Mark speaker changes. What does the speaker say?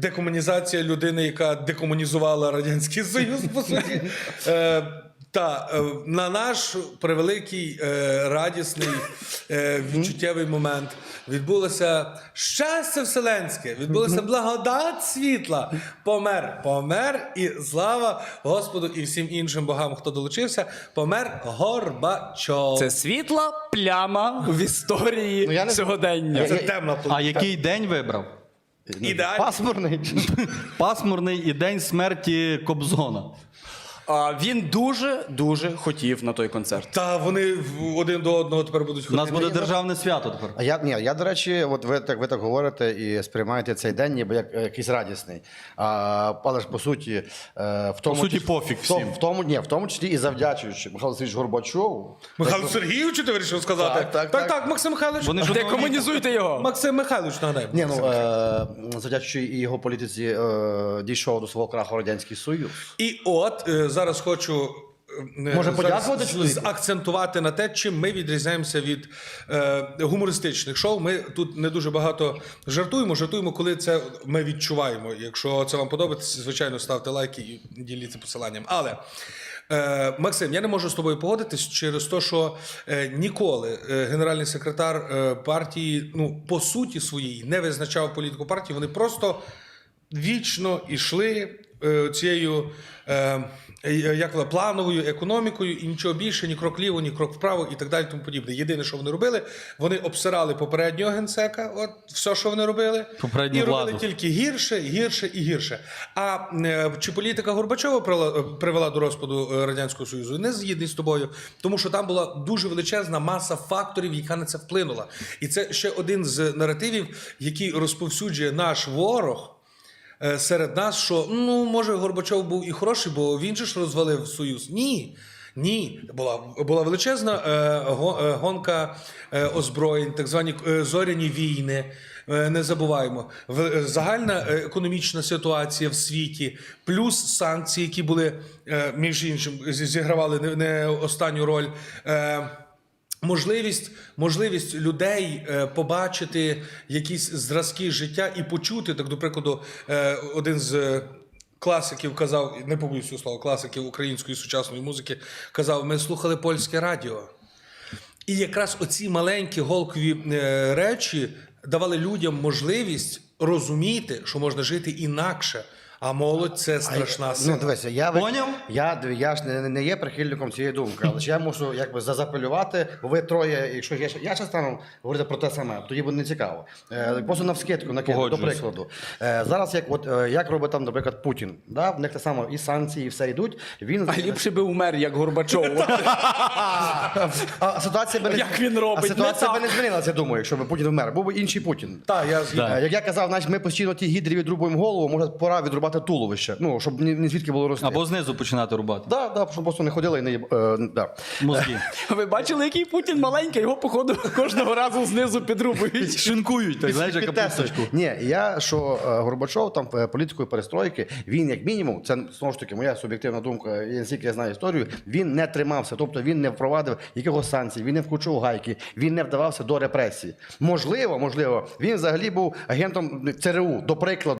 Speaker 1: декомунізація людини, яка декомунізувала Радянський Союз, по суті. На наш превеликий, радісний, відчуттєвий момент відбулося щастя вселенське, відбулося благодать світла. Помер, і слава Господу і всім іншим богам, хто долучився, помер Горбачов.
Speaker 2: Це світла пляма в історії сьогодення.
Speaker 1: Це темна площа.
Speaker 3: А який день вибрав?
Speaker 1: Ідеально.
Speaker 4: Пасмурний.
Speaker 3: Пасмурний і день смерті Кобзона.
Speaker 2: Він дуже хотів на той концерт.
Speaker 1: Та вони один до одного тепер будуть
Speaker 3: У
Speaker 1: ходити.
Speaker 3: нас буде державне свято тепер.
Speaker 4: А я, до речі, от ви так говорите і сприймаєте цей день ніби як якийсь радісний. Але ж по суті, в тому
Speaker 3: суті, пофіг всім.
Speaker 4: В тому числі і завдячуючи Михайлу Сергійовичу Горбачову.
Speaker 1: Михайло Сергійовичу, ти вирішив сказати?
Speaker 4: Так.
Speaker 1: Максим Михайлович.
Speaker 3: Вони ж
Speaker 2: Декомунізуйте його!
Speaker 1: Максим Михайлович, нагадай.
Speaker 4: Ні, завдячуючи і його політиці дійшов до свого краху Радянський Союз.
Speaker 1: І от зараз хочу
Speaker 4: Може, подякувати чоловіку?
Speaker 1: акцентувати на те, чим ми відрізняємося від гумористичних шоу. Ми тут не дуже багато жартуємо, коли це ми відчуваємо. Якщо це вам подобається, звичайно, ставте лайки і діліться посиланням. Але Максим, я не можу з тобою погодитись через те, що ніколи генеральний секретар партії, по суті своїй, не визначав політику партії. Вони просто вічно йшли цією плановою економікою і нічого більше, ні крок вліво, ні крок вправо і так далі, тому подібне. Єдине, що вони робили, вони обсирали попереднього генсека, от все, що вони робили,
Speaker 3: попередню
Speaker 1: і
Speaker 3: владу.
Speaker 1: робили тільки гірше. А чи політика Горбачова привела до розпаду Радянського Союзу? Не згідний з тобою, тому що там була дуже величезна маса факторів, яка на це вплинула. І це ще один з наративів, який розповсюджує наш ворог серед нас, що, може, Горбачов був і хороший, бо він же ж розвалив Союз. Ні. Була величезна гонка озброєнь, так звані зоряні війни, не забуваємо. Загальна економічна ситуація в світі, плюс санкції, які були, між іншим, зігравали не останню роль, можливість людей побачити якісь зразки життя і почути, так, до прикладу, один з класиків казав, не побоюсь цього слова, класиків української сучасної музики, казав, ми слухали польське радіо. І якраз оці маленькі голкові речі давали людям можливість розуміти, що можна жити інакше. А молодь – це страшна сила.
Speaker 4: Дивися,
Speaker 3: Поняв?
Speaker 4: Я ж не є прихильником цієї думки, але ж я мушу зазапелювати, бо ви троє, якщо я ще стану говорити про те саме, тоді буде нецікаво. Просто навскидку накину, до прикладу. Зараз, як робить там, наприклад, Путін, да? В них те саме і санкції, і все йдуть.
Speaker 2: А ліпше би умер, як Горбачов.
Speaker 4: А ситуація би
Speaker 2: Як він робить?
Speaker 4: А ситуація
Speaker 2: Не
Speaker 4: би не змінилася, я думаю, якщо б Путін вмер. Був би інший Путін.
Speaker 1: Так, я згідний.
Speaker 4: Як я казав, значить, ми постійно ті гідрі відрубуємо голову, може пора відрубати туловище, щоб ні звідки було рости.
Speaker 3: Або знизу починати рубати.
Speaker 4: Так, щоб просто не ходили і не
Speaker 3: Мозги.
Speaker 2: Ви бачили, який Путін маленький? Його, походу, кожного разу знизу підрубують.
Speaker 3: Шинкують, так, знаєш, як капусточку.
Speaker 4: Ні, Горбачов там політикою перестройки, він як мінімум, це знову ж таки моя суб'єктивна думка, наскільки я знаю історію, він не тримався, тобто він не впровадив якихось санкцій, він не вкручував гайки, він не вдавався до репресій. Можливо, він взагалі був агентом ЦРУ, до прикладу.